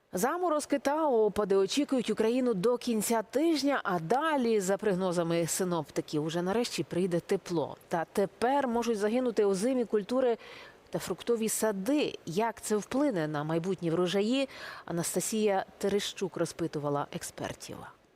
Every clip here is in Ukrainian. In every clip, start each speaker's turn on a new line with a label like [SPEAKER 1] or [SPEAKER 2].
[SPEAKER 1] Заморозки та опади очікують Україну до кінця тижня, а далі, за прогнозами синоптиків, уже нарешті прийде тепло. Та тепер можуть загинути озимі культури та фруктові сади. Як це вплине на майбутні врожаї, Анастасія Терещук розпитувала експертів.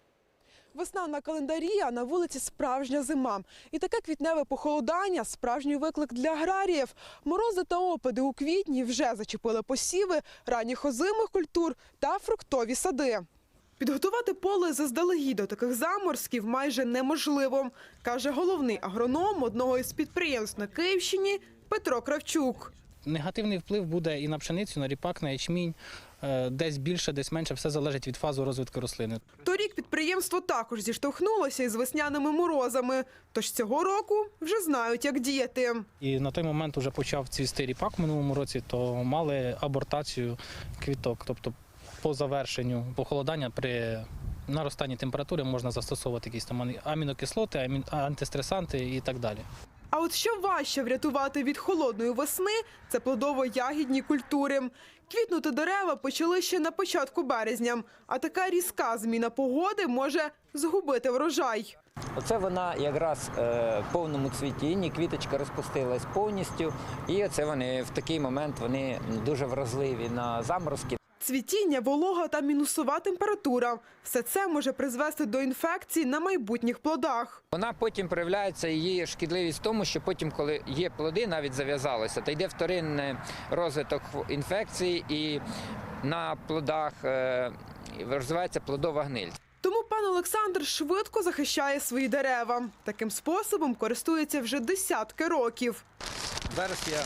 [SPEAKER 2] Весна на календарі, а на вулиці справжня зима. І таке квітневе похолодання – справжній виклик для аграріїв. Морози та опади у квітні вже зачепили посіви ранніх озимих культур та фруктові сади. Підготувати поле заздалегідь до таких заморозків майже неможливо, каже головний агроном одного із підприємств на Київщині Петро Кравчук.
[SPEAKER 3] Негативний вплив буде і на пшеницю, на ріпак, на ячмінь. Десь більше, десь менше, все залежить від фази розвитку рослини.
[SPEAKER 2] Торік підприємство також зіштовхнулося із весняними морозами. Тож цього року вже знають, як діяти.
[SPEAKER 3] І на той момент вже почав цвісти ріпак в минулому році, то мали абортацію квіток. Тобто по завершенню похолодання при наростанні температури можна застосовувати якісь там амінокислоти, антистресанти і так далі.
[SPEAKER 2] А от що важче врятувати від холодної весни – це плодово-ягідні культури. Квітнути дерева почали ще на початку березня, а така різка зміна погоди може згубити врожай.
[SPEAKER 4] Оце вона якраз в повному цвітінні, квіточка розпустилась повністю, і оце вони в такий момент вони дуже вразливі на заморозки.
[SPEAKER 2] Цвітіння, волога та мінусова температура – все це може призвести до інфекцій на майбутніх плодах.
[SPEAKER 4] Вона потім проявляється, її шкідливість в тому, що потім, коли є плоди, навіть зав'язалося, то йде вторинний розвиток інфекцій і на плодах розвивається плодова гниль.
[SPEAKER 2] Тому пан Олександр швидко захищає свої дерева. Таким способом користується вже десятки років.
[SPEAKER 4] Зараз я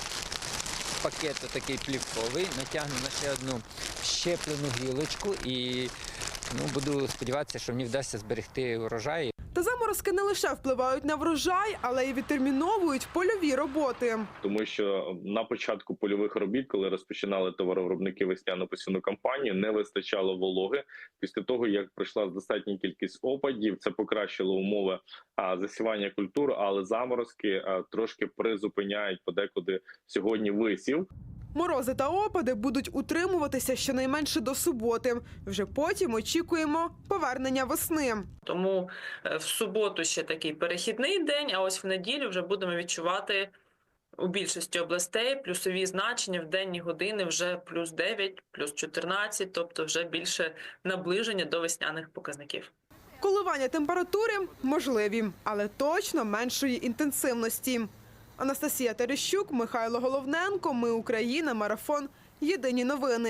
[SPEAKER 4] пакет такий плівковий, натягну на ще одну щеплену гілочку і буду сподіватися, що мені вдасться зберегти урожай.
[SPEAKER 2] Та заморозки не лише впливають на врожай, але й відтерміновують польові роботи.
[SPEAKER 5] Тому що на початку польових робіт, коли розпочинали товаровиробники весняно-посівну кампанію, не вистачало вологи. Після того, як пройшла достатня кількість опадів, це покращило умови засівання культур, але заморозки трошки призупиняють подекуди сьогодні висів.
[SPEAKER 2] Морози та опади будуть утримуватися щонайменше до суботи. Вже потім очікуємо повернення весни.
[SPEAKER 6] Тому в суботу ще такий перехідний день, а ось в неділю вже будемо відчувати у більшості областей плюсові значення в денні години вже плюс 9, плюс 14, тобто вже більше наближення до весняних показників.
[SPEAKER 2] Коливання температури можливі, але точно меншої інтенсивності. Анастасія Терещук, Михайло Головненко. Ми Україна. Марафон. Єдині новини.